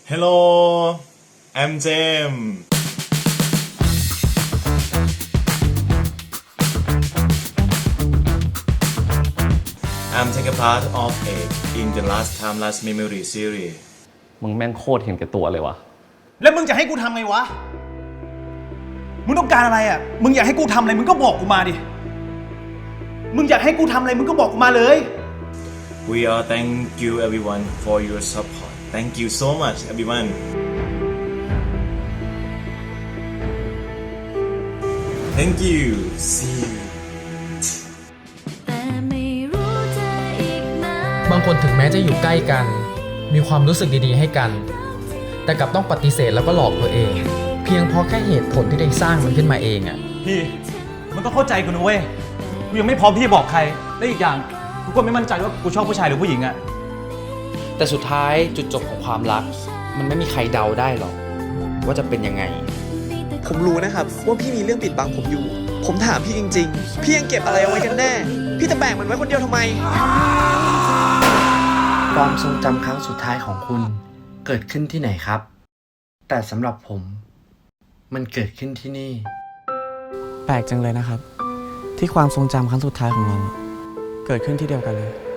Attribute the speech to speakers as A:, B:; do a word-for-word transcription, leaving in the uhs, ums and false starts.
A: Hello, I'm James. I'm taking part of it in the Last Time Last Memory series.
B: มึงแม่งโคตรเห็นแก่ตัวเลยวะ
C: แล้วมึงจะให้กูทำไงวะมึงต้องการอะไรอ่ะมึงอยากให้กูทำอะไรมึงก็บอกกูมาดิมึงอยากให้กูทำอะไรมึงก็บอกกูมาเลย
A: We all thank you everyone for your support. Thank you so much everyone. Thank you. See you.
D: บางคนถึงแม้จะอยู่ใกล้กันมีความรู้สึกดีๆให้กันแต่กลับต้องปฏิเสธแล้วก็หลอกตัวเองเพียงเพราะแค่เหตุผลที่ได้สร้างมันขึ้นมาเองอ่ะ
C: พี่มันก็เข้าใจกูนะเว้ยกูยังไม่พร้อมที่จะบอกใครและอีกอย่างกูก็ไม่มั่นใจว่ากูชอบผู้ชายหรือผู้หญิงอ่ะ
E: แต่สุดท้ายจุดจบของความรักมันไม่มีใครเดาได้หรอกว่าจะเป็นยังไง
F: ผมรู้นะครับว่าพี่มีเรื่องปิดบังผมอยู่ ผมถามพี่จริงๆ พี่ยังเก็บอะไรเอาไว้กันแน่ พี่จะแบ่งมันไว้คนเดียวทำไม
G: ความทรงจำครั้งสุดท้ายของคุณเกิดขึ้นที่ไหนครับ แต่สำหรับผมมันเกิดขึ้นที่นี่
H: แปลกจังเลยนะครับที่ความทรงจำครั้งสุดท้ายของเราเกิดขึ้นที่เดียวกันเลย